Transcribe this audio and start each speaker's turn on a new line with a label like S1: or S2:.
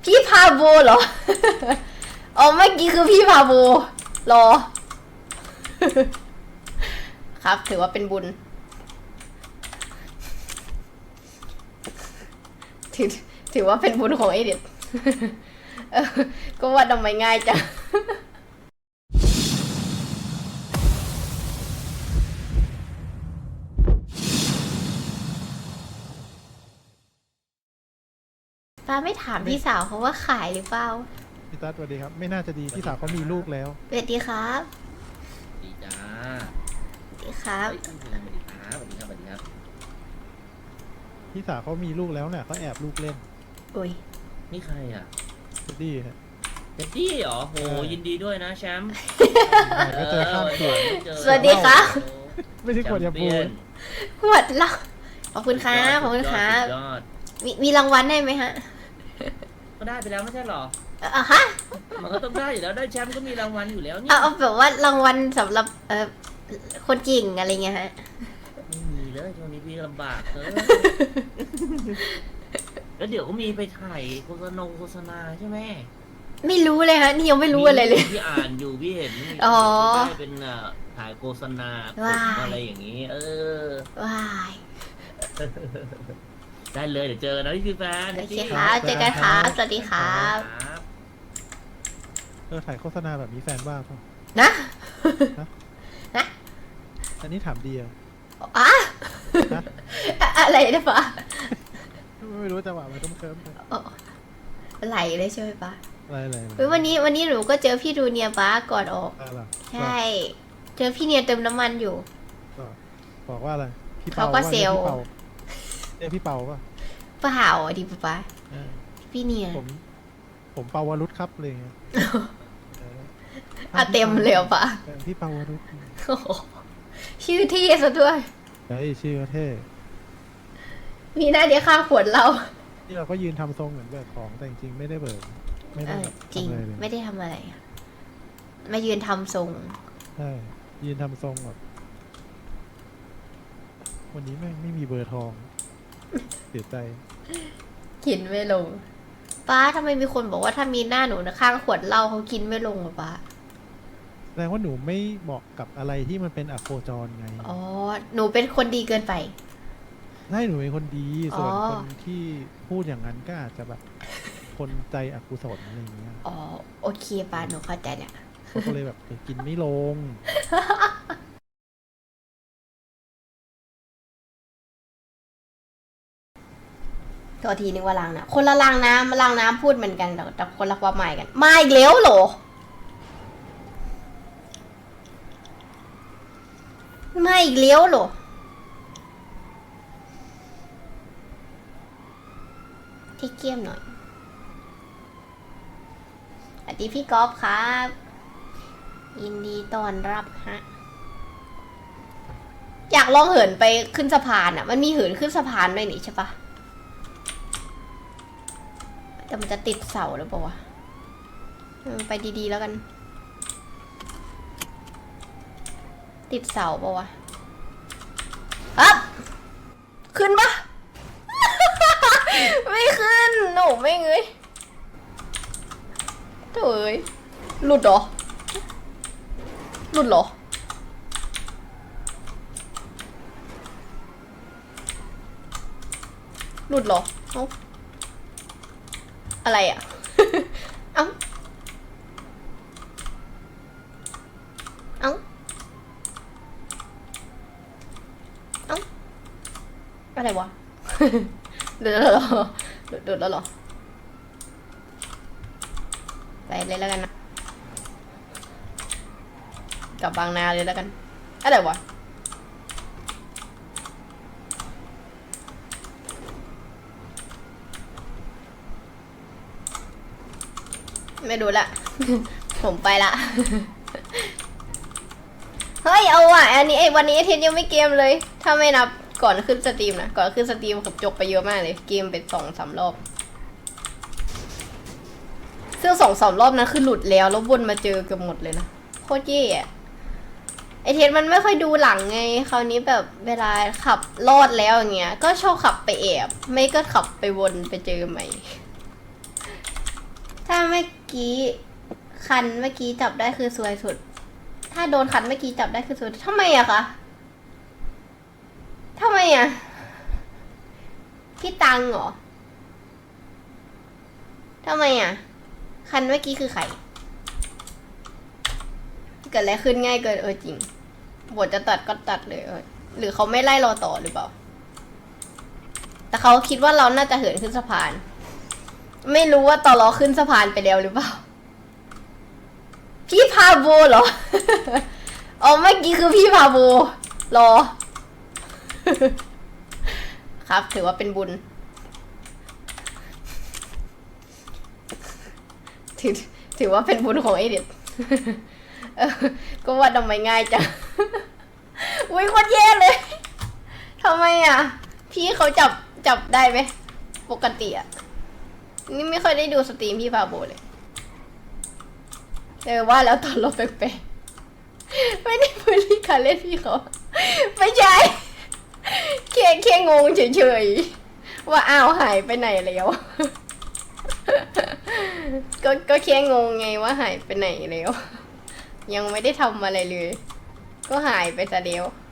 S1: พี่พาโบเหรอ อ๋อเมื่อกี้คือพี่พาโบรอ ครับถือว่าเป็นบุญถือถือว่าเป็นบุญของไอเด็ด ก็ว่าทำไมง่ายจัง ป้าไม่ถามพี่สาวเขาว่าขายหรือเปล่า
S2: พี่ตั๊ดสวัสดีครับ ไม่น่าจะดีพี่สาวเขามีลูกแล้ว
S1: สวัสดีครับ
S3: ดีจ้า
S1: สวัสดีครับ
S3: เฮ้ยสวัสดีครับสวัสดีครับสวัสดีครับ
S2: พี่สาวเขามีลูกแล้วเนี่ยเขาแอบลูกเล่น
S1: อุ้ย
S3: นี่ใครอ่ะ
S2: ดีฮะ
S3: เจดดี้เหรอโหยินดีด้วยนะแชมป์
S2: ก็เจอข้ามเขื่อน
S1: สวัสดีครับ
S2: ไม่ใช่ขวดยาปูน
S1: ขวดเหล้าขอบคุณครับขอบคุณครับ
S3: สุดยอด
S1: มีรางวัลได้ไหมฮะ
S3: ก็ได้ไปแล้วไม่ใช่เหรอ
S1: ฮะ
S3: มันก็ต้องได้อยู่แล้วได้แชมป์ก็มีรางวัลอยู่แล้วนี่
S1: เอาแบบว่ารางวัลสำหรับคนเก่งอะไรเงี้ยฮะ
S3: ไม่มีเลยช่วงนี้พี่ลำบากเลยแล้วเดี๋ยวก็มีไปถ่ายโฆษณาใช่ไหม
S1: ไม่รู้เลยฮะนี่ยังไม่รู้อะไรเลย
S3: พี่อ่านอยู่พี่เห็น
S1: อ๋อ
S3: ได้เป็นถ่ายโฆษณา
S1: ว้าย
S3: อะไรอย่างนี้
S1: ว้าย
S3: ได้เลยเดี๋ยวเจอกันนะพี่ฟิวแฟน
S1: โอเคครับเจอกันครับสวัสดีครับ
S3: ครับ
S2: ถ่ายโฆษณาแบบนี้แฟนว่าเปล่า
S1: นะ
S2: อันนี้ถามดีอะ
S1: อะ
S2: นะ
S1: อะไรนะปะ
S2: ไม่รู้จังหวะมันต้องเคิร์มไป
S1: ไหลเลยใช่ไหมปะ
S2: อะไร
S1: เฮ้ยวันนี้หนูก็เจอพี่ดูเนียป้าก่อนออก
S2: อะไร
S1: ใช่ เจอพี่เนียเติมน้ำมันอยู่
S2: บอกว่าอะไรพี่
S1: เขา
S2: เปา
S1: ก็เซลล์
S2: เรียกพี่เปาป่ะ
S1: เปล่าดิป๊า
S2: เออ
S1: พี่เนีย
S2: ผมเปาวรุษครับเลย
S1: เต็มเลยปะ
S2: พี่เปาวรุษ
S1: โอ้โหชื่อที่ซะด้วย
S2: เฮ้ยชื่อเท่
S1: มีหน้าเดียวข้างขวดเรา
S2: ที่เราก็ยืนทำทรงเหมือนเบิกของแต่จริงๆไม่ได้เบิกไม่ได้แบบ
S1: จริง
S2: ทำอะไรเลย
S1: ไม่ได้ทำอะไรอะมายืนทำทรง
S2: ใช่ยืนทำทรงแบบวันนี้แม่งไม่มีเบอร์ทองเสียใจ
S1: กินไม่ลงป้าทำไมมีคนบอกว่าถ้ามีหน้าหนูนะข้างขวดเหล้าเขากินไม่ลงอะป้า
S2: แสดงว่าหนูไม่เหมาะกับอะไรที่มันเป็นอโคจรไง
S1: อ๋อหนูเป็นคนดีเกินไป
S2: ได้หนูเป็นคนดี ส่วน
S1: อ๋อ
S2: คนที่พูดอย่างนั้นก็อาจจะแบบคนใจอกุศลอะไรอย่างเงี้ย
S1: อ๋อโอเคป้าหนูเข้าใจเนี่ย
S2: เขาก็เลยแบบกินไม่ลง
S1: ตัวทีนึงว่าล้างน้ำคนละล้างน้ำมาล้างน้ำพูดเหมือนกันแต่คนละความหมายกันมาอีกแล้วเหรอมาอีกแล้วเหรอที่เกียมหน่อยสวัสดีพี่ก๊อฟครับยินดีต้อนรับฮะอยากลองเหินไปขึ้นสะพานอ่ะมันมีเหินขึ้นสะพานด้วยนี่ใช่ปะแต่มันจะติดเสาหรือเปล่าวะไปดีๆแล้วกัน ติดเสาเปล่าวะอ๊บขึ้นปะ ไม่ขึ้นหนูไม่เงยโถ่เอ้ยหลุดเหรอ หลุดเหรอ หลุดเหรอเอ้าอะไรอ่ะ เอ้า เอ้า เอ้า อะไรวะ หลุดแล้วเหรอหลุดแล้วเหรอ ไปเลยแล้วกันนะกลับบางนาเลยแล้วกัน อะไรวะ ไม่ดูละ ผมไปละ เฮ้ยเอาว่ะอันนี้วันนี้เทนยังไม่เกมเลย ถ้าไม่นับก่อนขึ้นสตรีมนะก่อนขึ้นสตรีมผมจบไปเยอะมากเลยเกมเป็น2-3 รอบซึ่ง2-3 รอบนั้นคือหลุดแล้ววนมาเจอเกือบหมดเลยนะโคตรเย่อะไอเทนมันไม่ค่อยดูหลังไงคราวนี้แบบเวลาขับรอดแล้วอย่างเงี้ยก็ชอบขับไปแอบไม่ก็ขับไปวนไปเจอใหม่กี้คันเมื่อกี้จับได้คือสวยสุด ถ้าโดนคันเมื่อกี้จับได้คือสวยทำไมอะคะทำไมอะพี่ตังเหรอทำไมอะคันเมื่อกี้คือใครเกิดอะไรขึ้นง่ายเกินจริงบทจะตัดก็ตัดเลยหรือเขาไม่ไล่เราต่อหรือเปล่าแต่เขาคิดว่าเราน่าจะเหินขึ้นสะพาน ไม่รู้ว่าตอรอขึ้นสะพานไปแล้วหรือเปล่าพี่พาโบเหรอ อ๋อเมื่อกี้คือพี่พาโบรอ ครับถือว่าเป็นบุญ ถือว่าเป็นบุญของไอเด็ด ก็ว่าทำไมง่ายจัง อุ้ยโคตรแย่เลยทำไมอ่ะ พี่เขาจับได้ไหมปกติอ่ะ นี่ไม่ค่อยได้ดูสตรีมพี่พาโบเลยว่าแล้วตอนลบแปลกๆไม่ได้พูดที่การเล่นพี่เขาไม่ใช่แค่งงเฉยๆว่าอ้าวหายไปไหนแล้ว ก็แค่งงไงว่าหายไปไหนแล้ว ยังไม่ได้ทำอะไรเลย ก็หายไปซะแล้ว